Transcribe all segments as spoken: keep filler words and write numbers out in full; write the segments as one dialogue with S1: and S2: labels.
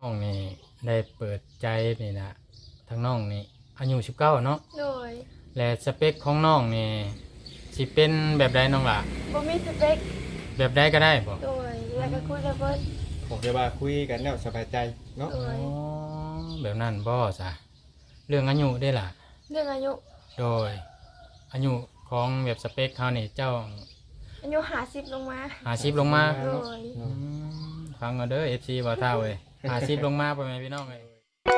S1: น้องนี่ได้เปิดใจนี่นะทั้งน้องนี่อายุสิบเก้าเนาะ
S2: โดย
S1: และสเปคของน้องนี่สิเป็นแบบใดน้องล่ะ
S2: บ่มีสเปค
S1: แบบใดก็ได้บ่
S2: โดยแล้วก็คุยกับเพิ่น
S3: ผมจะว่าคุยกันแล้วสบายใจเนาะ
S2: โดย
S1: อ๋อแบบนั้นบ่ซะเรื่องอายุได้ล่ะ
S2: เรื่องอายุ
S1: โดยอายุของแบบสเปคเขานี่เจ้า
S2: อายุห้าสิบลงมา
S1: ห้าสิบลงมา
S2: โดย
S1: อืมฟังเอาเด้อ เอฟ ซี บ่าวเฒ่าเว้ยห้าสิบลงมาพ่อแม่พี่น้องเอ้ย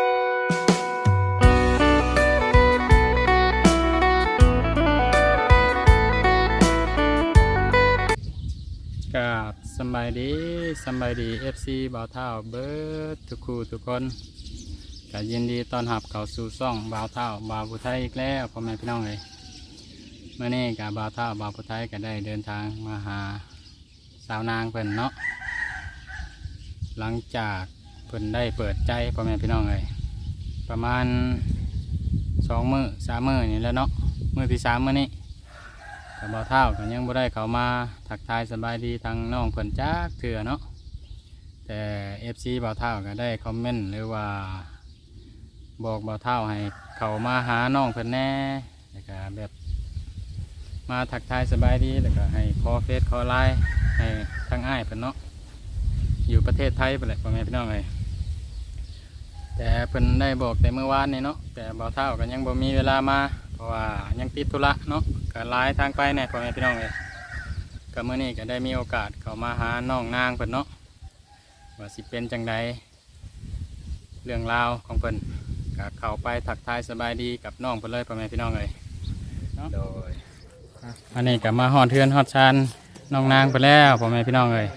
S1: กับสบายดีสบายดี เอฟ ซี บ่าวเฒ่าเบิดทุกคู่ทุกคนก็ยินดีต้อนรับเข้าสู่ช่องบ่าวเฒ่าบ่าวผู้ไทยอีกแล้วพ่อแม่พี่น้องเอ้ยเมื่อนี้กับบ่าวเฒ่าบ่าวผู้ไทยก็ได้เดินทางมาหาสาวนางเพิ่นเนาะหลังจากเพิ่นได้เปิดใจพ่อแม่พี่น้องเอ้ยประมาณสองมื้อสามมื้อนี่แหล้วเนาะมื้อที่สามมื้อนี้กับบ่าวเฒ่าก็ยังบ่ได้เข้ามาทักทายสบายดีทางน้องเพิ่นจักเทื่อเนาะแต่ เอฟ ซี บ่าวเฒ่าก็ได้คอมเมนต์หรือว่าบอกบ่าวเฒ่าให้เข้ามาหาน้องเพิ่นแน่แล้วก็แบบมาทักทายสบายดีแล้วก็ให้ขอเฟซขอไลน์ให้ทางอ้ายเพิ่นเนาะอยู่ประเทศไทยไปเลยพ่อแม่พี่น้องเลยแต่เพิ่นได้บอกแต่เมื่อวานนี่เนาะแต่บ่าวเฒ่าก็ยังบ่มีเวลามาเพราะว่ายังติดธุระเนาะก็ไลน์ทางไปแน่พ่อแม่พี่น้องเลยก็เมื่อนี้ก็ได้มีโอกาสเข้ามาหาน้องนางเพิ่นเนาะว่าสิเป็นจังใดเรื่องราวของเพิ่นก็เข้าไปทักทายสบายดีกับน้องเพิ่นเลยพ่อแม่พี่น้องเลยเนาะโดยอันนี้ก็มาฮอดเทือนฮอดชานน้องนางไปแล้วพ่อแม่พี่น้องเลย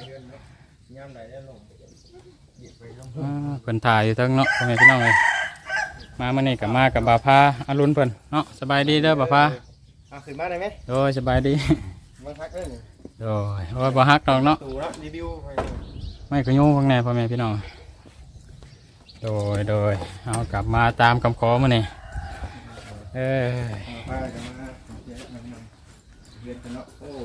S1: เพิ่นถ่ายอยู่ทั้งเนาะพ่อแม่พี่น้องเลยมาเมื่อนี้ก็มากับบ่าวพาอรุณเพิ่นเนาะสบายดีเด้อบ่าวพา
S3: เอาขึ้นมาได้ไหม
S1: โดยสบายดี
S3: มาพักเอ้ย
S1: โดยโอ้ยบ่ฮักดอกเนาะ
S3: ตู่แล้วรีวิว
S1: ไม่ขยุ่งข้างในพ่อแม่พี่น้องโดยโดยเอากลับมาตามคำขอมื้อนี้เออ
S3: มาจะมาเรียนกันเนาะโอ้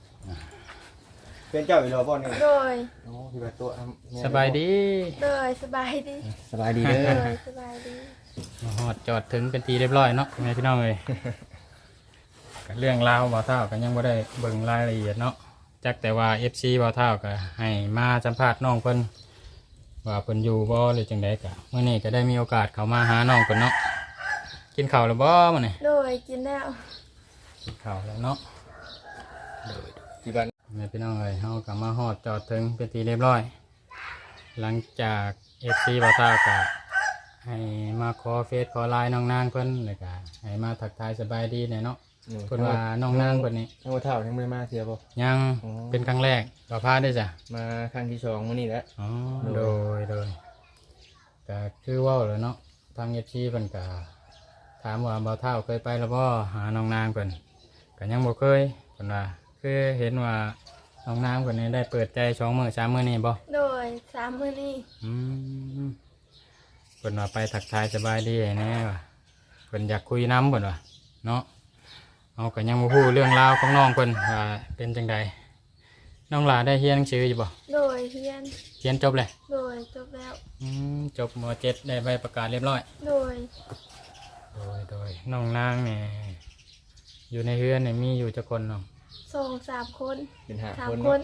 S3: เป็นเจ้าอีหลอบ่เนี่ย
S2: โดย
S3: โอ้ที่ว่าตัว
S1: สบายดี
S2: โดยสบายดี
S3: สบายดีเด้อ
S2: โดยสบายดี
S1: ฮอดจอดถึงเป็นทีเรียบร้อยเนาะพ่อแม่พี่น้องเลยเรื่องราวบ่าวเฒ่าก็ยังบ่ได้เบิ่งรายละเอียดเนาะจักแต่ว่า เอฟ ซี บ่าวเฒ่าก็ให้มาสัมภาษณ์น้องเพิ่นว่าเพิ่นอยู่บ่หรือจังไดก็มื้อนี้ก็ได้มีโอกาสเข้ามาหาน้องเพิ่นเนาะกินข้าวแล้วบ่มื้อนี้
S2: โดยกินแล้ว
S1: กินข้าวแล้วเนาะโดย
S3: ที่บ้าน
S1: แม่พี่น้องเอ้ยเฮาก็มาฮอดจอดถึงเป็นทีเรียบร้อยหลังจาก เอฟ ซี บ่าวเฒ่าก็ให้มาขอเฟซขอไลน์น้องนางเพิ่นแล้วก็ให้มาทักทายสบายดีแน่เนาะเพิ่นว่าน้องนางเพิ่นนี่
S3: น้องเฒ่ายังไม่มาเที่ยวบ่
S1: ยังเป็นครั้งแรกบ่าวพาได้จ้ะ
S3: มาครั้งที่สองมื้อนี้แหละ
S1: อ๋อโดยโดยก็คือเว้าแล้วเนาะทาง เอฟ ซี เพิ่นก็ถามว่าบ่าวเฒ่าเคยไปแล้วบ่หาน้องนางเพิ่นก็ยังบ่เคยเพิ่นว่าคือเห็นว่าน้องนางเพิ่นนี่ได้เปิดใจสองมื้อสามมื้อนี่บ่
S2: โดยสามมื้อนี้
S1: อืมเพิ่นว่าไปทักทายสบายดีแน่ว่ะเพิ่นอยากคุยน้ำเพิ่นว่าเนาะเอาก็ยังบ่ฮู้เรื่องราวของน้องเพิ่นว่าเป็นจังใดน้องหลาได้เรียนหนังสืออยู่บ่
S2: โดยเรียน
S1: เรียนจบเลย
S2: โดยจบแล้ว
S1: อืมจบม.เจ็ดได้ใบประกาศเรียบร้อย
S2: โดย
S1: โดยโดยน้องนางเนี่ยอยู่ในเรือนเนี่ยมีอยู่จักคนเนาะ
S2: สองสามคน
S3: เป็นห้า
S2: สาม
S3: คน
S2: คน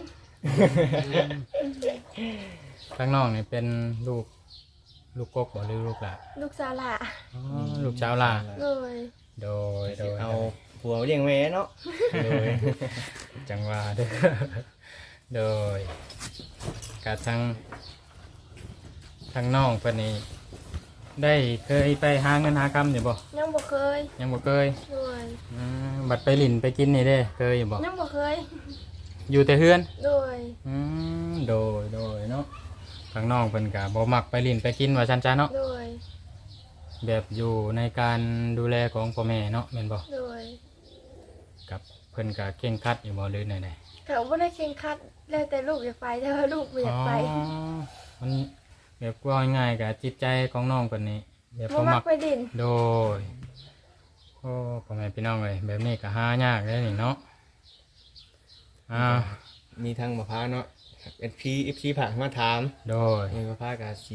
S1: ข้างนอกเนี่ยเป็นลูกลูกกกบ่หรือลูกหลาน
S2: ลูกสาวหล่า
S1: อ๋อลูกสาวหล่า
S2: โดย
S1: โดยโดย
S3: เอาผัวเลี้ยงแม่เนาะ
S1: โดยจังหวะเด้อโดยกระทั่งทางน้องเพิ่นนี่ได้เคยไปหาเงินหาคำอยู่บ่
S2: ยังบ่เคย
S1: ยังบ่เคย
S2: โดย
S1: บัดไปหลินไปกินนี่เด้เคยอยู่บ่
S2: ยังบ่เคย
S1: อยู่แต่เฮือน
S2: โดย
S1: อืมโดยโดยเนาะทางน้องเพิ่นก็บ่มักไปหลินไปกินว่าซั่นจ้าเนาะ
S2: โดย
S1: แบบอยู่ในการดูแลของพ่อแม่เนาะแม่นบ่
S2: โดย
S1: กับเพิ่นก็เข่งครัดอยู่บ่หรือไหน
S2: ๆเขาบ่ได้เข่งครัดแล้วแต่ลูกอยากไปแต่ว่าลูกบ่อยากไป
S1: อ๋อมันแบบว่าง่ายๆกับจิตใจของน้องคนนี้แบบ
S2: บ่มักไปดิน
S1: โดยโอ้พ่อแม่พี่น้องเลยแบบนี้ก็หายากเลยนี่เนาะอ่า
S3: มีทางมะพร้าวเนาะเอฟพีเอฟพีผ่านมาถาม
S1: โดย
S3: มีมะพร้าวกับสี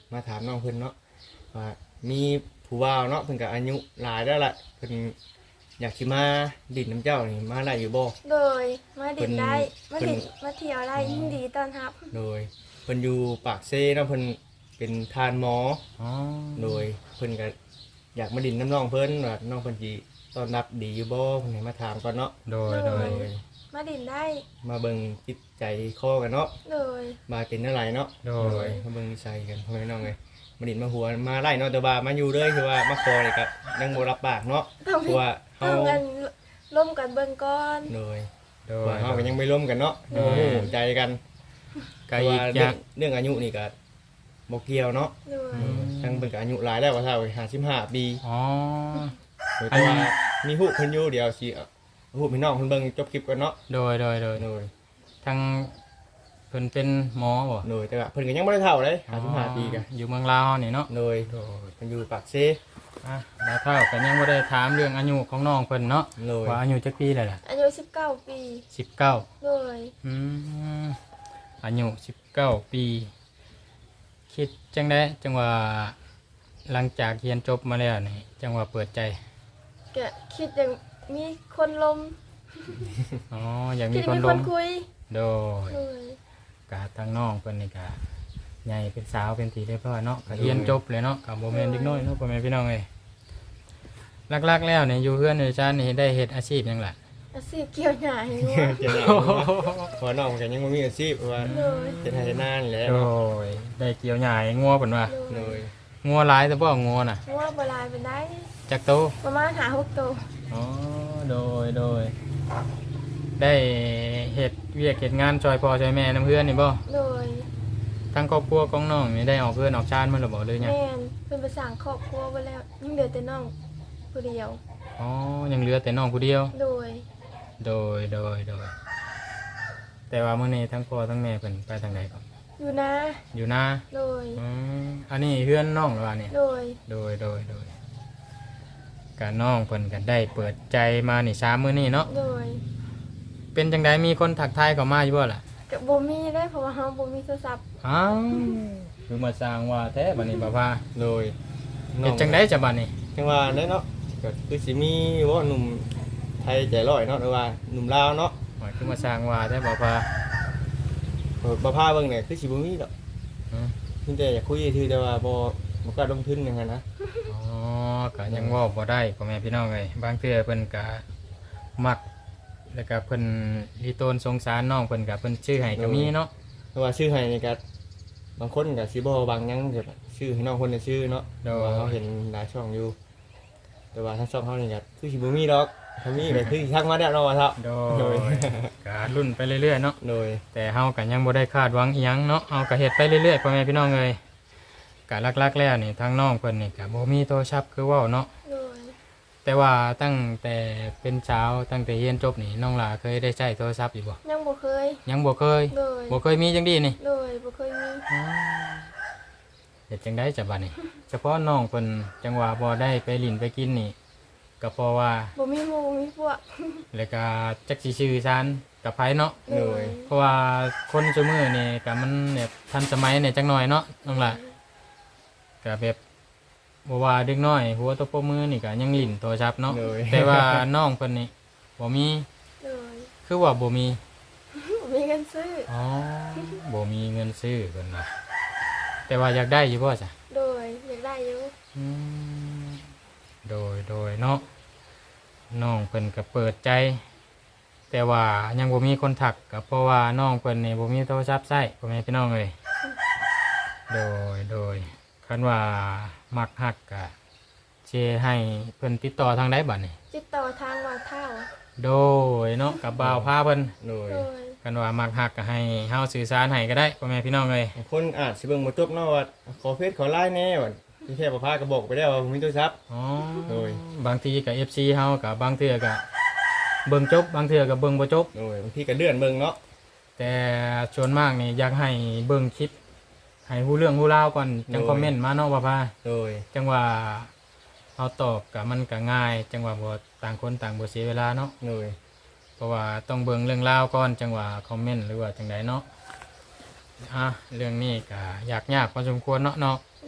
S3: มาถามน้องเพิ่นเนาะว่ามีผู้ว่าวเนาะเพิ่นก็อายุหลายแล้วล่ะเพิ่นอยากสิมาดินน้ำเจ้านี่มาได้อยู่บ่
S2: โดยมาดินได้มา
S3: เพิ่
S2: ดิ
S3: น
S2: นมาเที่ยวได้ยิ่งดีตอนรับ
S3: โดยเพิ่นอยู่ปากเซ่เนาะเพิ่นเป็นทานหมอ
S1: อ๋อ
S3: โดยเพิ่นก็อยากมาดินน้ำน้องเพิ่นว่าน้องเพิ่นสิต้อนรับดีอยู่บ่เพิ่นให้มาถามก่อนเนาะ
S1: โดยโดย
S3: โดย
S2: มาดินได้
S3: มาเบิ่งจิตใจคอกันเนาะ
S2: โดย
S3: มาเป็นอะไรเนาะ
S1: โดย
S3: มาเบิ่งนิสัยกันพ่อแม่น้องเลยมาดินมาหัวมาไล่เนาะแต่ว่ามาอยู่เลยคือว่ามาคอเลยก็ยังบ่รับปากเนาะ
S2: ต้อง
S3: เพราะว่าเฮา
S2: ต้องกันร่วมกันเบิ่งก่อน
S3: โดย
S1: โด
S3: เพราะ
S1: ย
S3: ว่าเฮาก็ยังไม่ร่วมกันเนาะ
S1: โด
S3: โอ้
S1: ย
S3: โหใจกัน
S1: ก็
S3: เพราะ
S1: อี
S3: ว่าก
S1: อ
S3: เรื่
S1: ย่า
S3: อง งเรื่องอายุนี่ก็บ่เกี่ยวเนาะ
S2: โดย
S3: ทั้งเพิ่นก็อายุหลายแล้วว่าเท่าห้าสิบห้าปี
S1: อ๋อ
S3: โดยแต่ว่ามีฮู้เพิ่นอยู่เดี๋ยวสิเอาฮู้พี่น้องเพิ่นเบิ่งจบคลิปก่อนเนาะ
S1: โดยโดยโดย
S3: โดย
S1: ทั้งเพิ่นเป็นหมอบ่
S3: โดยแต่ว่าเพิ่นก็ยังบ่ได้เฒ่าเลยห้าสิบห้าปีก็
S1: อยู่เมืองลาวนี่เนาะ
S3: โดย
S1: โดย
S3: เพิ่นอยู่ปากเซ่
S1: อ่ะแล้วเท่ากันยังบ่ได้ถามเรื่องอายุของน้องเพิ่นเนาะ
S3: โดย
S1: ว่าอายุจักปีแล้วล่ะ
S2: อายุสิบเก้าปี
S1: สิบเก้า
S2: โดย
S1: อืมอายุสิบเก้าปี คิดจังได้จังว่าหลังจากเรียนจบมาแล้วนี่จังว่าเปิดใจ
S2: ก็คิดอย่างมีคนลม
S1: อ๋ออยาก
S2: คิ
S1: มี
S2: ด
S1: คน
S2: มี
S1: ล
S2: ค
S1: ง
S2: นคุย
S1: โดย
S2: โดย
S1: กะทางน้องเพิ่นนี่กะใหญ่เป็นสาวเป็นตีเรียบร้อยเนาะกะเรียนจบเลยเนาะกะบ่แม่นเด็กน้อยเนาะพ่อแม่พี่น้องเอ้ยหลักๆแล้วเนี่ยอยู่เพื่อนอยู่ชาตินี่ได้เฮ็ดอาชีพหยังล่ะ
S2: อาชีพเกี่ยวหญ้าให้งัว
S3: เจ้าหน้าพอน้องกันยังไม่มีอาชีพเพราะว่า
S2: โดย
S3: เฮ็ดให้นานแล้ว
S1: โดยได้เกี่ยวหญ้าให้งัวเพิ่นว่า
S2: โด
S3: โด
S2: ย
S3: ย
S1: งัวหลายแต่บ่งัวน่ะ
S2: งัวโบราณเป็นได้
S1: จักโต
S2: ประมาณหาหกตัว
S1: อ๋อโดยโดยได้เฮ็ดเวียกเฮ็ดงานช่วยพ่อช่วยแม่นํเพื่อนนี่บ่
S2: โดย
S1: ทั้งครอบครัวของน้องนี่ได้ออกเพื่อนออกชาติมาหรือบ่เลยเนี่ย
S2: แม่นเป็นภาษาครอบครัวไปแล้วยิ่งเหลือแต่น้องผู้เดียว
S1: อ๋อยังเหลือแต่น้องผู้เดียว
S2: โดย
S1: โดยโดยโดยแต่ว่ามื้อนี้ทั้งพ่อทั้งแม่เพิ่นไปทางใดก่อน
S2: อยู่นะ
S1: อยู่นา
S2: โดย
S1: อืมอันนี้เพื่อนน้องหรือว่าเนี่ย
S2: โดย
S1: โดยโดยโดยการน้องเพิ่นกันได้เปิดใจมานี่สามมื้อนี้เนาะ
S2: โดย
S1: เป็นจังไดมีคนทักทายเข้ามาอยู่บ่ล่ะ
S2: กับบ่มีได้เพราะว่าเฮาบ่มีโทรศัพท์
S1: อ้าวคือมาสร้างว่าแท้บัดนี้บ่พา
S3: โดย
S1: เฮ็ดจังไดจะบัดนี้
S3: จังว่าได้เนาะก็คือสิมีว่าหนุ่มไทยใจร้อยเนาะหรือว่าหนุ่มลาวเนาะ
S1: หมายคือมาสร้างว่าแท้บ่พา
S3: เออบ่พาเบิ่งเนี่ยคือสิบ่มีดอก
S1: อืม
S3: เพิ่นแต่อยากคุยซื่อแต่ว่าบ่บ่กล้าลงทุนอย่างนั้นนะ
S1: อ๋อก็ยังเว้าบ่ได้พ่อแม่พี่น้องเอ้ยบางเทื่อเพิ่นก็มักแล้วก็เพิ่นลีโตนสงสารน้องเพิ่นก็เพิ่นชื่อให้ก็มีเนาะ
S3: แต่ว่าชื่อให้นี่ก็บางคนก็สิบ่บางหยังแบบชื่อให้น้องคนน่ะชื่อเนาะแต่ว่าเฮาเห็นหลายช่องอยู่ แต่ว่าถ้าช่องเฮานี่ก็คือสิบ่มีดอกถ้ามีก็คือสิทักมาแล้วเนาะว่าเถาะ
S1: โด
S3: โดย
S1: ยก็รุ่นไปเรื่อยๆเนาะ
S3: โดย
S1: แต่เฮาก็ยังบ่ได้คาดหวังอีหยังเนาะเฮาก็เฮ็ดไปเรื่อยๆพ่อแม่พี่น้องเอ้ยก็หลักๆแล้วนี่ทางน้องเพิ่นนี่ก็บ่มีโทรศัพท์คือเว้าเนาะ
S2: โดย
S1: แต่ว่าตั้งแต่เป็นสาวตั้งแต่เรียนจบนี่น้องหลาเคยได้ใช้โทรศัพท์อยู่บ่
S2: ยังบ่เคย
S1: ยังบ่เคย
S2: โดย
S1: บ่เคยมีจังดีนี่
S2: โดยบ่เคยมี
S1: เฮ็ดจังได๋จ้ะบัดนี้ เฉพาะน้องเพิ่นจังว่าบ่ได้ไปลิ้นไปกินนี่ก็เพราะว่า
S2: บ่มีหมู่บ่มีพวก
S1: แล้วก็จักสิชื่อซานกับไผเนาะ
S2: โดย
S1: เพราะว่าคนซุมื้อนี่ก็มันแบบทันสมัยเนี่ยจักหน่อยเนาะน้องหล่ะก็แบบบ่ว่าเด็กน้อยหัวโตปรบมือนี่ก็ยังลิ้นโทรศัพท์เนาะ
S3: โดย
S1: แต่ว่าน้องเพิ่นนี่บ่มี
S2: โดย
S1: คือว่าบ่มี
S2: บ่มีเงินซื้อ
S1: อ๋อบ่มีเงินซื้อเพิ่นว่าแต่ว่าอยากได้อยู่บ่จ้ะ
S2: โดยอยากได้อยู่
S1: อืมโดยโดยเนาะน้องเพิ่นก็เปิดใจ แต่ว่ายังบ่มีคนถักก็เพราะว่าน้องเพิ่นนี่บ่มีโทรศัพท์ใช้พ่อแม่พี่น้องเอ้ยโดยโดยคันว่ามักฮักก็สิให้เพิ่นติดต่อทางใดบัดนี้
S2: ติดต่อทางว่าเท่า
S1: โดยเนาะกับบ่าวพาเพิ่น
S3: โดย
S2: โดย
S1: คันว่ามักฮักก็ให้เฮาสื่อสารให้ก็ได้พ่อแม่พี่น้องเอ้ย
S3: บางคนอาจสิเบิ่งบ่จบเนาะว่าขอเฟซขอไลน์แน่ว่าที่แท้บ่พาก็บอกไปแล้วว่าบ่มีโทรศัพท์
S1: อ๋อ
S3: โดย
S1: บางทีก็ เอฟ ซี เฮาก็บางเทื่อก็เบิ่งจบบางเทื่อก็เบิ่งบ่จบ
S3: โดยบางทีก็เลื่อนเบิ่งเนาะ
S1: แต่ส่วนมากนี่อยากให้เบิ่งคลิปให้ฮู้เรื่องฮู้ราวก่อนจังคอมเมนต์มาเนาะว่าพา
S3: โดย
S1: จังว่าเฮาตอบก็มันก็ง่าย จังว่าบ่ต่างคนต่างบ่เสียเวลาเนาะ
S3: โดย
S1: เพราะว่าต้องเบิ่งเรื่องราวก่อนจังว่าคอมเมนต์หรือว่าจังใดเนาะอ่ะเรื่องนี้ก็ยากยากพอสมควรเนาะเนาะ
S2: โ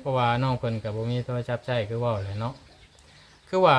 S1: ราะว่าน้องเพิ่นก็บ่มีโทรศัพท์ใช้คือเว้าแหละเนาะคือว่า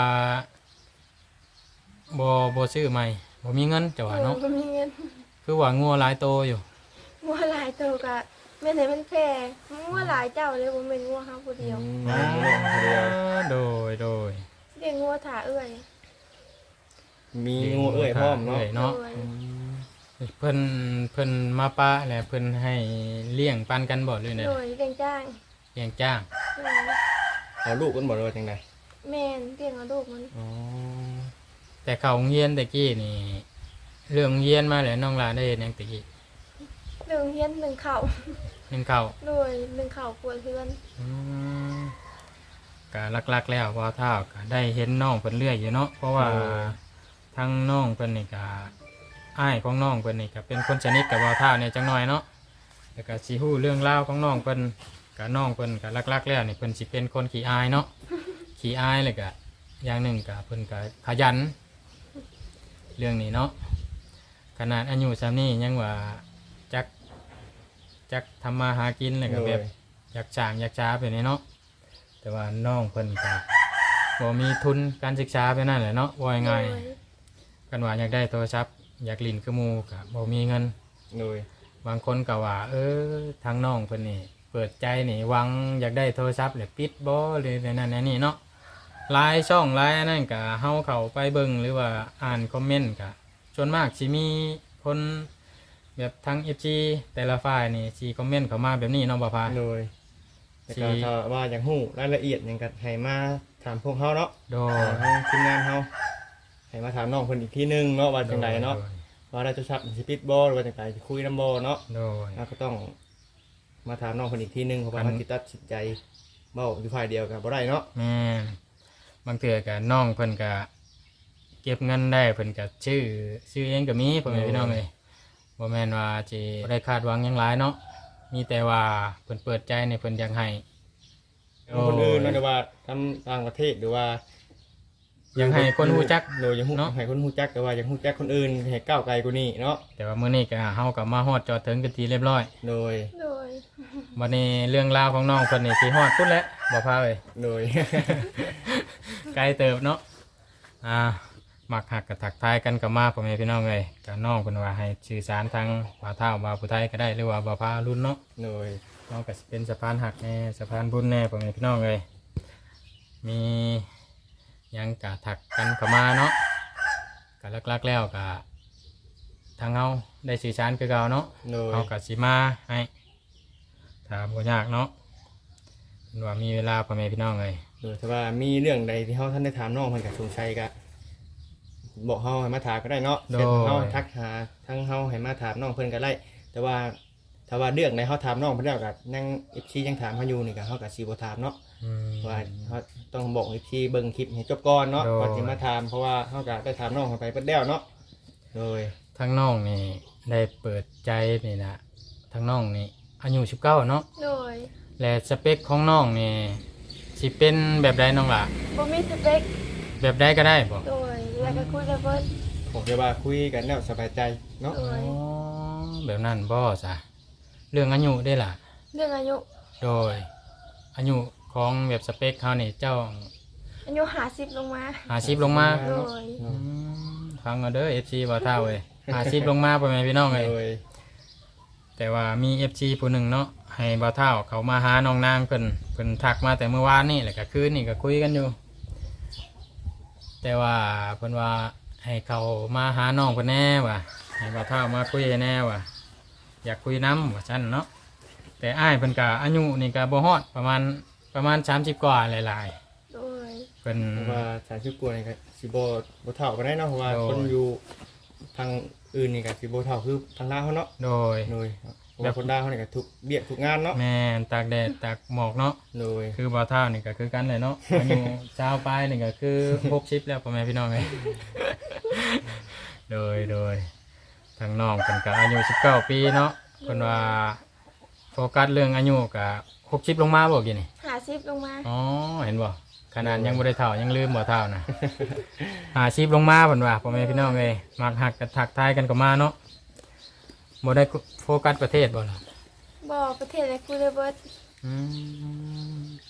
S1: บ่บ่ซื้อใหม่บ่มีเงินจะว่าเนาะ
S2: บ่มีเงิน
S1: คือว่างัวหลายโตอยู่
S2: งัวหลายตัวก็แม่นให้มันแพงงัวหลายเจ้าเลยบ่แม่นงัวเฮาผู้เดียว
S3: อืมน้องคนเดียว
S1: โดยโดย
S2: เลี้ยงงัวถ่าเอื้อย
S3: มีงูเอ้ยพร้อมเนาะ
S1: เอ้ยเนาะ
S2: โดย
S3: อืม
S1: เพิ่นเพิ่นมาปะแหละเพิ่นให้เลี้ยงปันกันบ่เลยเนี่ย
S2: โดยเลี้ยงจ้าง
S1: เลี้ยงจ้าง
S2: โดย
S3: เอาลูกกันบ่เลยว่าจังได
S2: แม่นเลี้ยงเอาลูกมัน
S3: อ๋อ
S1: แต่เขาโรงเรียนตะกี้นี่เรื่องโรงเรียนมาแล้วน้องลาได้เฮ็ดหยังตะกี้
S2: หนึ่งเฮียนหนึ่งเข่า
S1: หนึ่งข้าว
S2: โดยหนึ่งเข่าปวดเพื่อน
S1: อืมก็ลักๆแล้วพอเท่าก็ได้เห็นน้องเพิ่นเรื่อยอยู่เนาะเพราะว่าทั้งน้องเพิ่นนี่ก็อ้ายของน้องเพิ่นนี่ก็เป็นคนสนิทกับบ่าวเท่าเนี่ยจังหน่อยเนาะแล้วก็สิฮู้เรื่องราวของน้องเพิ่นก็น้องเพิ่นก็ลักๆแล้วนี่เพิ่นสิเป็นคนขี้อายเนาะขี้อายเลยก็อย่างหนึ่งก็เพิ่นก็ขยัน เรื่องนี้เนาะขนาดอายุซ้ำนี้ยังว่าจักจักทำมาหากินเลยก็แบบอยากจ้างอยากจ้าไปนี่เนาะแต่ว่าน้องเพิ่นก็บ่มีทุนการศึกษาไปนั่นแหละเนาะว่ายังไง
S2: โดย
S1: กันว่าอยากได้โทรศัพท์อยากลิ้นคือหมู่ก็บ่มีเงิน
S3: โดย
S1: บางคนก็ว่า เออทางน้องเพิ่นนี่เปิดใจนี่หวังอยากได้โทรศัพท์แล้วปิดบ่หรือในนั้นในนี่เนาะหลายช่องหลายอันนั้นก็เฮาเข้าไปเบิ่งหรือว่าอ่านคอมเมนต์ก็ส่วนมากสิมีคนแบบทาง เอฟ จี แต่ละฝ่ายนี่สิคอมเมนต์เข้ามาแบบนี้เนาะบ่พา
S3: โดยแต่ก็
S1: สิ
S3: ถ้าว่าอย่างฮู้รายละเอียดหยังก็ให้มาถามพวกเฮาเนาะ
S1: โดย
S3: ทางทีมงานเฮาให้มาถามน้องเพิ่นอีกทีหนึงเนาะว่าจังไดเนาะ
S1: โดย
S3: ว่าได้โทรศัพท์สิปิดบ่หรือว่าจังไดสิคุยนำบ่เนาะ
S1: โดย
S3: เราก็ต้องมาถามน้องเพิ่นอีกทีหนึงเพราะว่า
S1: อัน
S3: เฮาสิตัดสินใจเว้าอยู่ฝ่ายเดียวก็บ่ได้เนาะ
S1: แม่นบางเทื่อก็น้องเพิ่นก็เก็บเงินได้เพิ่นก็ชื่อชื่อเองก็มีพ่อแม่พี่น้องเอ้ยบ่แม่นว่าสิบ่ได้คาดหวังหยังหลายเนาะมีแต่ว่าเพิ่นเปิดใจในเพิ่นอยากให้
S3: คนอื่นเนาะแต่ว่าทำต่างประเทศหรือว่า
S1: อยากให้คนรู้จัก
S3: โดยยังฮู้
S1: เนาะ
S3: ให้คนฮู้จักแต่ว่ายังฮู้จักคนอื่นให้ก้าวไกลกว่านี้เนาะ
S1: แต่ว่ามื้อนี้ก็เฮาก็มาฮอดจอดถึงกันทีเรียบร้อย
S3: โดย
S2: โดย
S1: วันนี้เรื่องราวของน้องคนนี้สิฮอดพุ่นแล้วบ่พาเลย
S3: โดย
S1: ไกลเติบเนาะอ่ามักหักกับถักทายกันกับมาพ่อแม่พี่น้องเลยกับน้องเพิ่นว่าให้สื่อสารทางบ่าวเฒ่าบ่าวผู้ไทยก็ได้หรือว่าบ่าวพารุ่นเนาะ
S3: โดย
S1: น้องก็สิเป็นสะพานหักแน่สะพานบุญแน่พ่อแม่พี่น้องเลยมีหยังกะถักกันเข้ามาเนาะก็ลักๆแล้วก็ทางเฮาได้สื่อสารคือเก่าเนาะ
S3: โดย
S1: เอากะสิมาให้ถามบ่ยากเนาะเพิ่นว่ามีเวลาพ่อแม่พี่น้องเลย
S3: โดยแต่ว่ามีเรื่องใดที่เฮาท่านได้ถามน้องเพิ่นก็สงสัยก็บอกเฮาให้มาถามก็ได้เนาะเสร็จเฮาทักหาทั้งเฮาให้มาถามน้องเพิ่นก็ได้แต่ว่าถ้าว่าเรื่องใดเฮาถามน้องเพิ่นแล้วก็นั่ง เอฟ ซี ยังถามเฮาอยู่นี่ก็เฮาก็สิบ่ถามเนาะ
S1: อืม
S3: ว่าเฮาต้องบอก เอฟ ซี เบิ่งคลิปให้จบก่อนเนาะ
S1: โดย
S3: ก่อนสิมาถามเพราะว่าเฮาก็ได้ถามน้องเข้าไปเบิดแล้วเนาะโดย
S1: ทางน้องนี่ได้เปิดใจนี่นะทางน้องนี่อายุสิบเก้าเนาะ
S2: โดย
S1: และสเปคของน้องนี่สิเป็นแบบใดน้องล่ะ
S2: บ่มีสเปค
S1: แบบใดก็ได้บ่
S2: โดยแล้วก็คุยกับเพิ่น
S3: ผมจะว่าคุยกันแล้วสบายใจเนาะ
S2: โด
S1: อ๋อย แบบนั้นบ่ซะเรื่องอายุได้ล่ะ
S2: เรื่องอายุ
S1: โดยอายุของแบบสเปคเขานี่เจ้า
S2: อายุห้าสิบลงมา
S1: หาสิบลงมา
S2: โดย
S1: อืมฟังเอาเด้อ เอฟ ซี บ่เท่าเว้ยหาสิบลงมาพ่อแม่พี่น้องเอ้ย
S3: โดย
S1: แต่ว่ามี เอฟ ซี ผู้หนึ่งเนาะให้บ่าวเท่าเขามาหาน้องนางเพิ่นเพิ่นทักมาแต่เมื่อวานนี่แหละก็คืนนี่ก็คุยกันอยู่ แต่ว่าเพิ่นว่าให้เขามาหาน้องเพิ่นแน่ว่ะให้บ่าวเท่ามาคุยแน่ว่ะอยากคุยน้ำว่าซั่นเนาะแต่อ้ายเพิ่นก็อายุนี่ก็บ่ฮอดประมาณประมาณสามสิบกว่าหลาย
S2: โดย
S1: ๆเพิ่น
S3: เพราะว่าสารชุกกลัวนี่ก็สิบ่บ่เท่ากันได้เนาะเพราะว่า
S1: โดย
S3: คนอยู่ทางอื่นนี่ก็สิบ่เท่าคือทางลาวเขาเนาะ
S1: โดย
S3: โดยเพราะว่าคนลาวเขานี่ก็ทุกเบียกทุกงานเนาะ
S1: แม่นตากแดดตากหมอกเนาะ
S3: โดย
S1: คือบ่าวเท่านี่ก็คือกันเลยเนาะ อายุชาวปลายนี่ก็คือหกสิบแล้วพ่อแม่พี่น้องเอ้ย โดยโดยทางน้องเพิ่นก็อายุสิบเก้าปีเนาะเพิ่นว่าโฟกัสเรื่องอายุก็หกสิบลงมาบ่กี่นี่
S2: ห้าสิบลงมา
S1: อ๋อเห็นบ่ขนาดยังบ่ได้เฒ่ายังลืมบ่เฒ่านะ ห้าสิบลงมาเพิ่นว่าพ่อแม่พี่น้องเอ้ยมักหักกันทักทายกันก็มาเนาะบ่ได้โฟกัสประเทศบ่ล่ะ
S2: บ่ประเทศอะไรคุยได้เบิด
S1: อืม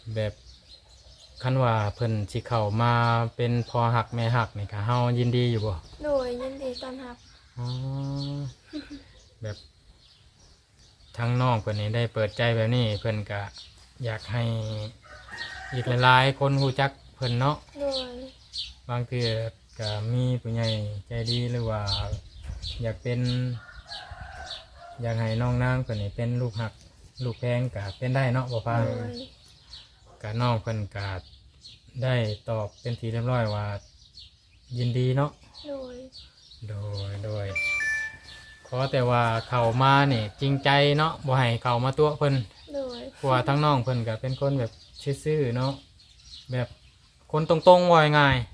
S1: แบบคันว่าเพิ่นสิเข้ามาเป็นพอหักแม่หักนี่ก็เฮายินดีอยู่บ่
S2: โดยยินดีต้อนรับ
S1: อ๋อ แบบทั้งน้องเพิ่นนี่ได้เปิดใจแบบนี้เพิ่นก็อยากให้อีกหลายๆคนรู้จักเพิ่นเนาะ
S2: โดย
S1: บางทีก็มีผู้ใหญ่ใจดีหรือว่า อยากเป็น อยากให้น้องนางเพิ่นนี่เป็นลูกหักลูกแพงก็เป็นได้เนาะบ่พา
S2: โดย
S1: ก็น้องเพิ่นก็ได้ตอบเป็นทีเรียบร้อยว่า ยินดีเนาะ
S2: โดย
S1: โดยโดยขอแต่ว่าเข้ามาเนี่ยจริงใจเนาะบ่ให้เข้ามาตัวเพิ่น
S2: โดย
S1: เพราะว่าทั้งน้องเพิ่นก็เป็นคนแบบซื่อๆเนาะแบบคนตรงๆว่าง่าย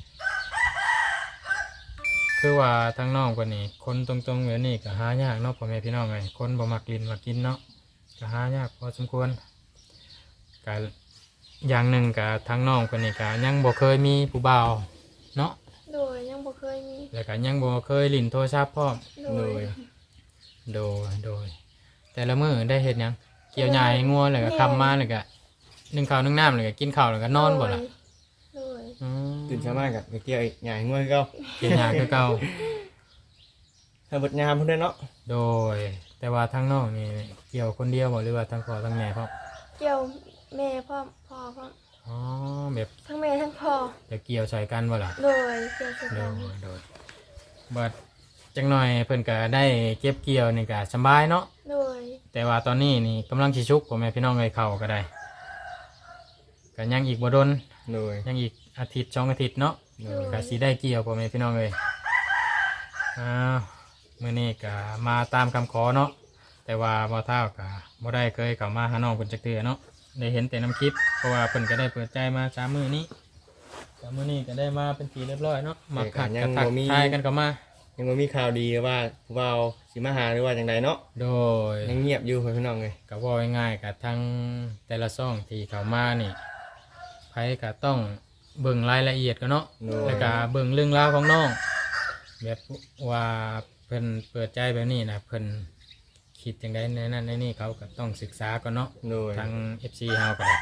S1: ๆคือว่าทั้งน้องเพิ่นนี่คนตรงๆแบบนี้ก็หายากเนาะพ่อแม่พี่น้องไงคนบ่มักลิ้นมักกินเนาะก็หายากพอสมควรก็อย่างหนึ่งก็ทั้งน้องเพิ่นนี่ก็ยังบ่เคยมีผู้บ่าวเนาะ
S2: โดยยังบ่เคยมี
S1: แล้วก็ยังบ่เคยลิ้นโทรศัพท์พร้อม
S2: โด
S3: โด
S2: ย
S3: ย
S1: โดยโดยแต่ละมื้อได้เห็ดหยังเกี่ยวหญ้าให้งัวแล้วก็คำมาแล้วก็นึ่งข้าวนึ่งน้ำแล้วก็กินข้าวแล้วก็นอนบ่ล่ะ
S2: โดย
S1: อืม
S3: ตื่นเช้ามากับไปเกี่ยวอีกใหญ่ง่วงก็
S1: เกี่ยวหญ้าคือเก่า
S3: ถ้าบดงามเพิ่นได้เนาะ
S1: โดย แต่ว่าทั้งน้องนี่เกี่ยวคนเดียวบ่หรือว่าทั้งพ่อทั้งแม่พร้อม
S2: เกี่ยวแม่พ่อพ่อพ่อ
S1: อ๋อแบบ
S2: ทั้งแม่ทั้งพ่อ
S1: จะเกี่ยวใส่กันบ่ล่ะ
S2: โดยเกี่ยวกัน
S1: โดยโดยบัดจังหน่อยเพิ่นก็ได้เก็บเกี่ยวนี่ก็สำบายเนาะ
S2: โดย
S1: แต่ว่าตอนนี้นี่กำลังสิชุกพ่อแม่พี่น้องเอ้ยเข้าก็ได้ก็ยังอีกบ่ดน
S3: โดย
S1: ยังอีกอาทิตย์สองอาทิตย์เนาะ
S3: โด
S2: โด
S3: ย
S2: ย
S1: ก็สิได้เกี่ยวพ่อแม่พี่น้องเลยอ้าวมื้อนี้ก็มาตามคำขอเนาะแต่ว่าบ่เท่าก็บ่ได้เคยเข้ามาหาน้องเพิ่นจักเทื่อเนาะได้เห็นแต่น้ำคลิปเพราะว่าเพิ่นก็ได้เปิดใจมาสามมื้อนี้สามมื้อนี้ก็ได้มาเป็นทีเรียบร้อยเนาะมาขัดกระทักทายกันเข้ามา
S3: ยังบ่มีข่าวดีว่าผู้บ่าวสิมาหาหรือว่าจังไดเนาะ
S1: โดย
S3: ยังเงียบอยู่เพิ่นพี่น้องเลย
S1: ก็เว่าง่ายๆกับทั้งแต่ละซ่องที่เข้ามานี่ไผก็ต้องเบิ่งรายละเอียดกันเนาะ
S3: โดย
S1: แล้วก็เบิ่งเรื่องราวของน้องแบบว่าเพิ่นเปิดใจแบบนี้นะเพิ่นคิดจังไดในนั้นในนี่เขาก็ต้องศึกษาก่อนเนาะ
S3: โดย
S1: ทาง เอฟ ซี เฮาก็ได้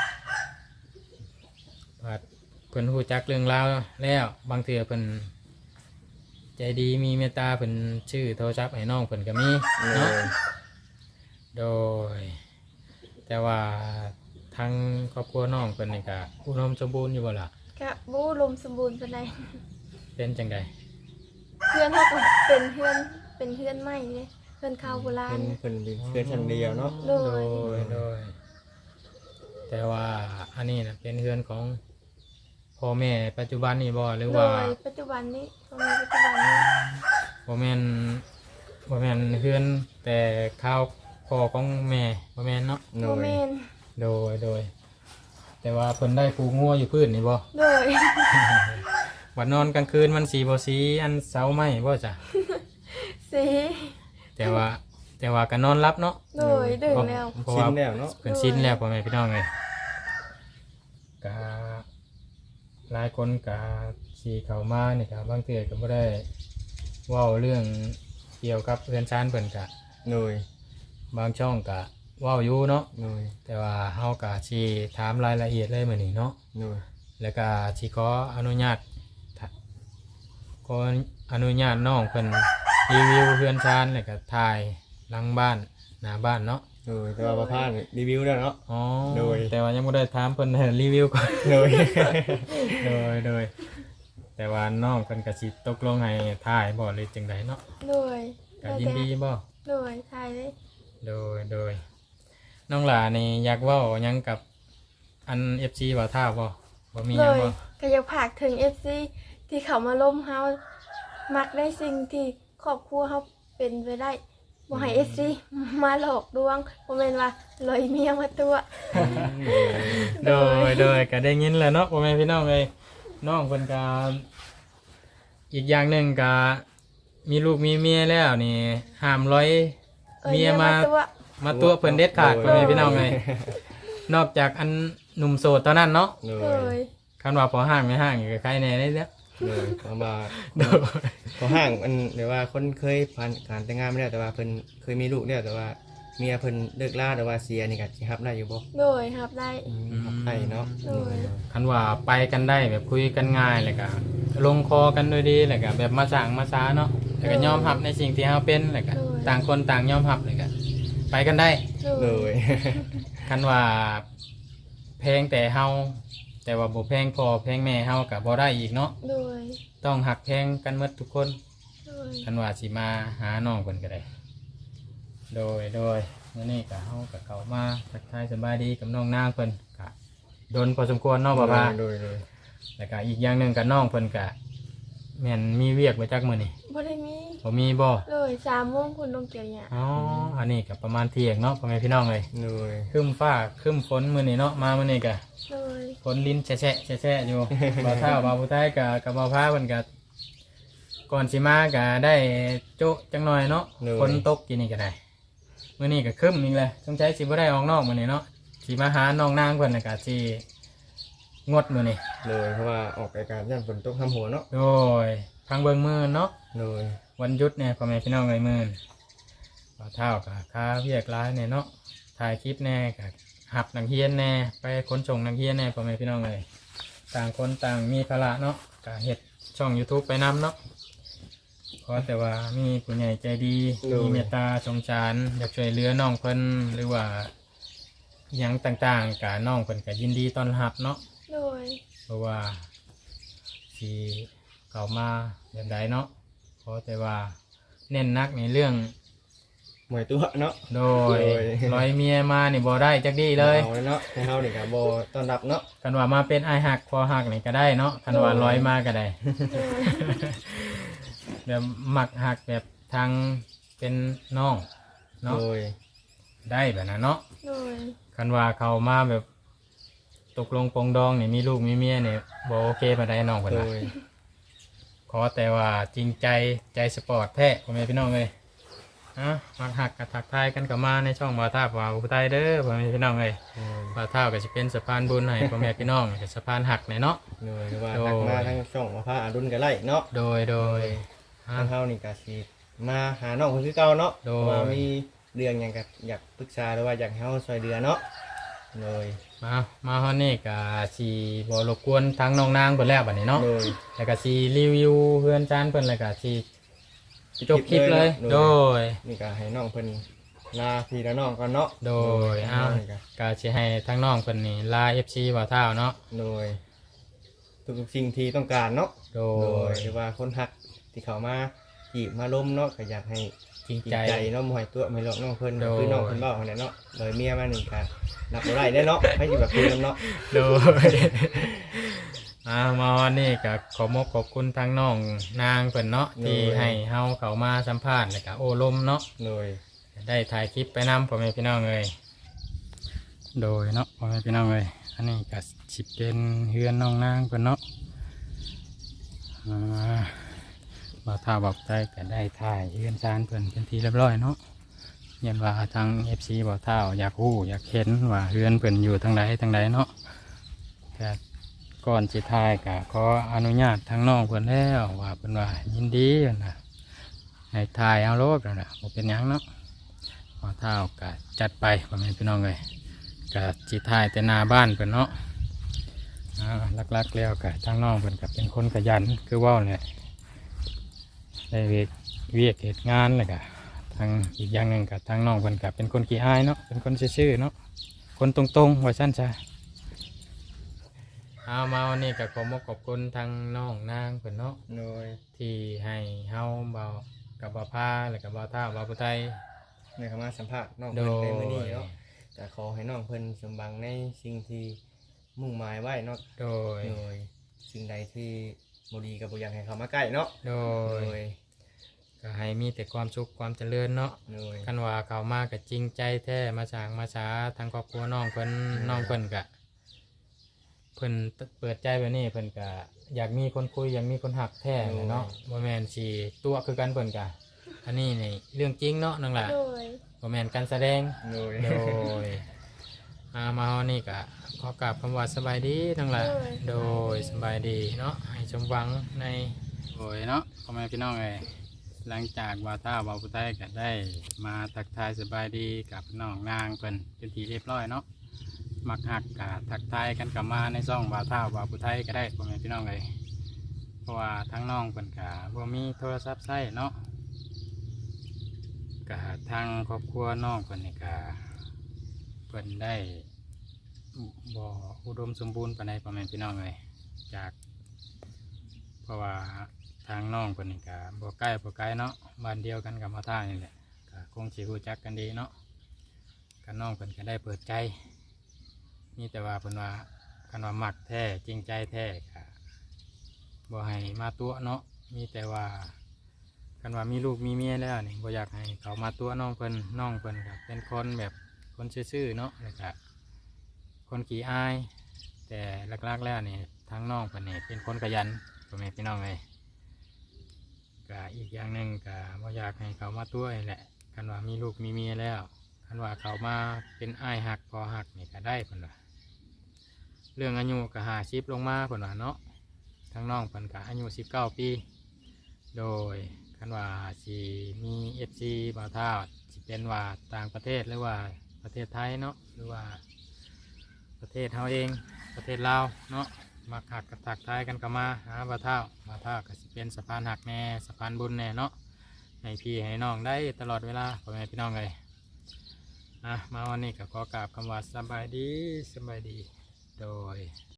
S1: ว่าเพิ่นรู้จักเรื่องราวแล้วบางเทื่อเพิ่นใจดีมีเมตตาเพิ่นชื่อโทรศัพท์ให้น้องเพิ่นก็มี
S3: โด
S1: เนาะ
S3: ย
S1: โดย แต่ว่าทางครอบครัวน้องเพิ่นนี่ก็อุดมสมบูรณ์อยู่บ่ล่ะ
S2: กะบูลมสมบูรณ์ปานใด
S1: เป็นจังได
S2: เพื่อนเขาก็เป็นเพื่อนเป็นเพื่อนใหม่เลยเพื่อนข้าวโบราณ
S3: เพิ่นเพิ่นเป็นเพื่อนชั้นเดียวเนาะ
S2: โด
S1: โด
S2: ย
S1: ยโดย แต่ว่าอันนี้นะเป็นเฮือนของพ่อแม่ปัจจุบันนี่บ่หรือ
S2: โด
S1: ว่าย
S2: ปัจจุบันนี้ตรงนี้ปัจจุบันนี้
S1: บ่แม่นบ่แม่นเฮือนแต่ข้าวพ่อของแม่บ่แม่นเนาะ
S3: โด
S2: โม
S3: ย
S2: เมน
S1: โดยโดย แต่ว่าเพิ่นได้ผูงัวอยู่พื้นนี่บ่
S2: โดย
S1: วันนอนกลางคืนมันสีบ่สีอันเสาไหมบ่จ้ะ
S2: สี
S1: แต่ว่าแต่ว่าก็นอนรับเนาะ
S2: โดยดึงแล้ว
S1: เพราะ
S3: ชิ
S1: ว่าน
S3: แล้วเนาะ
S1: เพิ่นชินแล้วพ่อแม่พี่น้องเลยก็หลายคนก็สีเข้ามานี่ก็บางเทื่อก็บ่ได้เว้าเรื่องเกี่ยวกับเรือนชานเพิ่นก็
S3: โดย
S1: บางช่องก็เว้าอยู่เนาะ
S3: โดย
S1: แต่ว่าเฮาก็สิถามรายละเอียดเลยมื้อนี้เนาะ
S3: โดย
S1: แล้วก็สิขออนุญาตถ้าขออนุญาตน้องเพิ่นรีวิวเรือนชานแล้วก็ถ่ายหลังบ้านหน้าบ้านเนาะ
S3: โดยแต่ว่าประพาสรีวิวแล้วเนาะ
S1: อ๋อ
S3: โดย
S1: แต่ว่ายังไม่ได้ถามเพิ่นให้รีวิวก่อน
S3: โดย
S1: โดยโดยแต่ว่าน้องเพิ่นก็สิตกลงให้ถ่ายบ่หรือจังไดเนาะ
S2: โดย
S1: ก็ยินดีบ่
S2: โดยทายเลย
S1: โดยโดยน้องหลานี่อยากเว้าหยังกับอัน เอฟ ซี บ่ท่าบ่บ่มีห
S2: โด
S1: ยัง
S2: ย
S1: บ่
S2: ก็อยากผากถึงเอฟซีที่เขามาล้มเฮามักได้สิ่งที่ครอบครัวเฮาเป็นไปได้บ่ให้เอฟซีมาหลอกลวงบ่แม่นว่าลอยเมียมาตัว
S1: โดยโดยก็ได้ยินแล้วเนาะพ่อแม่พี่น้องเอ้ยน้องเพิ่นก็อีกอย่างหนึงก็มีลูกมีเมียแล้วนี่ห้ามร้อย
S2: อ้
S1: เมียมา
S2: ตัว
S1: มาตัวเพิ่นเด็ดขาด
S3: โดย
S1: พ่อแม่พี่น้องเอ้ยนอกจากอันหนุ่มโสดเท่านั้นเนาะ
S3: โด
S2: โด
S3: ย
S2: ย
S1: คันว่าพอห่างไม่ห่างอีกก็ใครแน่ได้แล้ว
S3: โดยประมาณ
S1: โดย
S3: พอห่างมันเดี๋ยวว่าคนเคยผ่านการแต่งงานไม่ได้แต่ว่าเพิ่นเคยมีลูกแล้วแต่ว่าเมียเพิ่นเลิกลาหรือว่าเสียนี่ก็สิรับได้อยู่บ่
S2: โดยครับได้
S3: อืมรับได้เนาะ
S2: โดย
S1: คันว่าไปกันได้แบบคุยกันง่ายเลยก็ลงคอกันด้วยดีเลยก็แบบมาสั่งมาช้าเนาะแล้วก็ยอมรับในสิ่งที่เราเป็นเลยก็ต่างคนต่างยอมรับเลยก็ไปกันได้
S2: โด
S3: เลย ย
S1: คันว่าแพงแต่เฮาแต่ว่าบ่แพงพอแพงแม่เฮาก็บ่ได้อีกเนาะ
S2: โดย
S1: ต้องหักแพงกันหมดทุกคน
S2: โดย
S1: คันว่าสิมาหาน้องเพิ่นก็ได้ โดยโดยมื้อนี้ก็เฮาก็เข้ามาทักทายสบายดีกับน้องนางเพิ่นก็โดนพอสมควรเนาะบ่ว่า
S3: โดยโดย
S1: แล้วก็อีกอย่างหนึงก็น้องเพิ่นก็แม่นมีเวียกไว้จักมื้อนี้
S2: บ่ได้มี
S1: บ่มีบ่
S2: เลยสามโมงคุณลงเกี่ยวหญ้า
S1: อ๋ออันนี้ก็ประมาณเที่ยงเนาะพ่อแม่พี่น้องเลย
S3: โดย
S1: ครึ้มฟ้าครึ้มฝนมื้อนี้เนาะมามื้อนี้ก็
S2: เลย
S1: ฝนลิ้นแฉะๆแฉะๆอยู่ บ่าวเฒ่าบ่าวผู้ใต้ก็กับบ่าวพาเพิ่นก็ก่อนสิมาก็ได้โจ๊ะจังหน่อยเนาะฝนตกกินนี่ก็ได้มื้อนี้ก็ครึ้มอีกแล้วสงสัยสิบ่ได้ออกนอกมื้อนี้เนาะสิมาหาน้องนางเพิ่นน่ะก็สิงดมื้อนี้
S3: เลยเพราะว่าออกรายการย่านฝนตกทำหัวเนาะ
S1: โดยพังเบิ่งมื้อเนาะ
S3: เลย
S1: วันหยุดเนี่ยพ่อแม่พี่น้องเลยมื้อบ่าวเฒ่าก็ค่าเวียกหลายเนี่ยเนาะถ่ายคลิปแน่ก็หับนักเรียนแน่ไปขนส่งนักเรียนแน่พ่อแม่พี่น้องเลยต่างคนต่างมีภาระเนาะก็เฮ็ดช่อง YouTube ไปนำเนาะเพราะแต่ว่ามีผู้ใหญ่ใจดีมีเมตตาสงสารอยากช่วยเหลือน้องเพิ่นหรือว่าหยังต่างๆก็น้องเพิ่นก็ยินดีต้อนรับเนาะ
S2: โดย
S1: เพราะว่าสีเข้ามาแบบใดเนาะเพราะแต่ว่าเน้นนักในเรื่อง
S3: หมวยตัวเนาะ
S1: โดย
S3: โดย
S1: ร้อยเมียมานี่บ่ได้จักดีเลย
S3: อาเนาะให้เฮานี่ก็บ่ต้อนรับเนาะ
S1: คันว่ามาเป็นไอายหักพอหักนี่ก็ได้เนาะคันว่าร้อยมาก็ได้
S2: โดย
S1: แบบหมักหักแบบทางเป็นน้องเนาะ
S3: โดย
S1: ได้แบบนั้นเนาะ
S2: โดย
S1: คันว่าเขามาแบบตกลงปรงดองนี่มีลูกมีเมียนี่บ่โอเคปานใดน้องเพิ่น
S3: โด
S1: น่ะ
S3: ย
S1: ขอแต่ว่าจริงใจใจสปอร์ตแท้พ่อแม่พี่น้องเลยอ่ะมาหักกับถักทายกันกับมาในช่องบ่าวท่าบ่าวผู้ใต้เด้อพ่อแม่พี่น้องเลยบ่าวท่าก็จะเป็นสะพานบุญให้พ่อแม่พี่น้องเป็นสะพานหักในเนาะ
S3: โดยหรือว่า
S1: โดย
S3: ทักมาทางช่องมาพาอาดุลก็ไล่เนาะ
S1: โดยโดยอ่ะ
S3: ทางเฮานี่ก็สิมาหาน้องคนคือเก่าเนาะ
S1: โดย
S3: ว่ามีเรื่องหยังก็อยากปรึกษาหรือว่าอยากให้เฮาช่วยเหลือเนาะโดย
S1: มามาฮอนนี่ก็สิบ่รบกวนทางน้องนางเพิ่นแล้วบัดนี้เนาะ
S3: โดย
S1: แล้วก็สิรีวิวเพื่อนจานเพิ่นแล้วก็สิจบคลิปเลยโดย
S3: นี่ก็ให้น้องเพิ่นลาพี่และน้องก่อนเนาะ
S1: โดย
S3: เอา
S1: อ้าว
S3: นี่ก็
S1: ก็สิให้ทางน้องเพิ่นนี่ลา เอฟ ซี บ่าวท่าเนาะ
S3: โดยทุกๆสิ่งที่ต้องการเนาะ
S1: โด
S3: โด
S1: ย
S3: ยหรือว่าคนฮักที่เขามาจีบมาล้มเนาะก็อยากให้
S1: จริง
S3: จริง
S1: ใจ
S3: ใจเนาะบ่ให้ตัวไม่หลอกน้องเพิ่น
S1: โดย
S3: คือน้องเพิ่นเว้าหั่นแหละเนาะโดยเมียมานี่ก็นับบ่ได้เด้เนาะให้อยู่แบบคุยกันเนาะ
S1: โดย อ่ามาวันนี้ก็ขอมอบขอบคุณทางน้องนางเพิ่นเนาะที่ให้เฮาเข้ามาสัมภาษณ์แล้วก็โอ้ลมเนาะ
S3: โดย
S1: ได้ถ่ายคลิปไปนำพ่อแม่พี่น้องเลยโดยเนาะพ่อแม่พี่น้องเลยอันนี้ก็สิเป็นเฮือนน้องนางเพิ่นเนาะอ่าบ่าวท่าบอกใจก็ได้ถ่ายเฮือนซานเพิ่นเป็นที่เรียบร้อยเนาะยันว่าทาง เอฟ ซี บ่าวท่าอยากรู้อยากเห็นว่าเฮือนเพิ่นอยู่ทางใดทางใดเนาะแต่ก่อนสิถ่ายก็ขออนุญาตทางน้องเพิ่นแล้วว่าเพิ่นว่ายินดีนะให้ถ่ายเอาโลดนั่นน่ะบ่เป็นหยังเนาะ พอเท้าก็จัดไปพ่อแม่พี่น้องเลยก็จิถ่ายแต่หน้าบ้านเพิ่นเนาะอ่าลักๆแล้วก็ทางน้องเพิ่นก็เป็นคนขยันคือเว่าเนี่ยได้เวียกเวียกเหตุงานเลยก็ทางอีกอย่างหนึ่งก็ทางน้องเพิ่นก็เป็นคนขี้อายเนาะเป็นคนซื่อๆเนาะคนตรงๆว่าสั้นจ้ะเอามาวันนี้ก็ขอมขอบคุณทางน้องนางเพิ่นเนาะ
S3: โดย
S1: ที่ให้เฮาเบากับบ่าวพาแล้วก็บ่าวท่าบ่าวผู้ไทย
S3: ในคำว่าสัมภาษณ์น้อง
S1: โด
S3: เพิ่น
S1: ย
S3: ในมื้อนี้เนาะจะขอให้น้องเพิ่นสมบังในสิ่งที่มุ่งหมายไว้เนาะ
S1: โดย
S3: โดยสิ่งใดที่บ่ดีก็บ่อยากให้เขามาใกล้เนาะ
S1: โด
S3: โด
S1: ย
S3: ย
S1: ก็ให้มีแต่ความสุขความเจริญเนาะ
S3: โดย
S1: กันว่าเขามากับจริงใจแท้มาสร้างมาช้าทางครอบครัวน้องเพิ่นน้องเพิ่นกะเพิ่นเปิดใจแบบนี้เพิ่นกะอยากมีคนคุยอยากมีคนหักแท้เลยเนาะบ่แม่นสิตัวคือกันเพิ่นกะอันนี้นี่เรื่องจริงเนาะนั่นแหละ
S2: โดย
S1: บ่แม่นการแสดง
S3: โดย
S1: โดยอามาวันนี้กะขอกราบคำว่าสบายดีทั้งหลายโดยสบายดีเนาะให้สมหวังในโดยเนาะพ่อแม่พี่น้องเอ้ยหลังจากบ่าวเท่าบ่าวผู้ไทยก็ได้มาทักทายสบายดีกับน้องนางเพิ่นเป็นทีเรียบร้อยเนาะมักหักกะทักทายกันกลับมาในซ่องบ่าวเท่าบ่าวผู้ไทยก็ได้พ่อแม่พี่น้องเลยเพราะว่าทั้งน้องเพิ่นกะบ่มีโทรศัพท์ใช้เนาะกะทางครอบครัวน้องเพิ่นนี่กะเพิ่นได้บ่อุดมสมบูรณ์ปานใดพ่อแม่พี่น้องเลยจากเพราะว่าทางน้องเพิ่นนี่ก็บ่ใกล้บ่ไกลเนาะบ้านเดียวกันกับมาท่านี่แหละก็คงสิรู้จักกันดีเนาะก็น้องเพิ่นก็ได้เปิดใจมีแต่ว่าเพิ่นว่าคันว่ามักแท้จริงใจแท้ก็บ่ให้มาตัวเนาะมีแต่ว่าคันว่ามีลูกมีเมียแล้วนี่บ่อยากให้เขามาตัวน้องเพิ่นน้องเพิ่นก็เป็นคนแบบคนซื่อๆเนาะแล้วก็คนขี้อายแต่หลักๆแล้วนี่ทางน้องเพิ่นนี่เป็นคนขยันพ่อแม่พี่น้องเลยก็อีกอย่างหนึ่งก็บ่อยากให้เขามาตัวนี่แหละคันว่ามีลูกมีเมียแล้วคันว่าเขามาเป็นอ้ายหักพอหักนี่ก็ได้เพิ่นว่าเรื่องอายุก็หาชิปลงมาเพิ่นว่าเนาะทั้งน้องเพิ่นก็อายุสิบเก้าปีโดยคันว่าสิมีเอฟซีบ่าวเท่าสิเป็นว่าต่างประเทศหรือว่าประเทศไทยเนาะหรือว่าประเทศเฮาเองประเทศลาวเนาะมาหักกระทักทายกันก็มาหาบ่าวเท่าบ่าวเท่าก็สิเป็นสะพานหักแน่สะพานบุญแน่เนาะให้พี่ให้น้องได้ตลอดเวลาพ่อแม่พี่น้องเลยอ่ะมาวันนี้ก็ขอกราบคำว่าสบายดีสบายดีโดย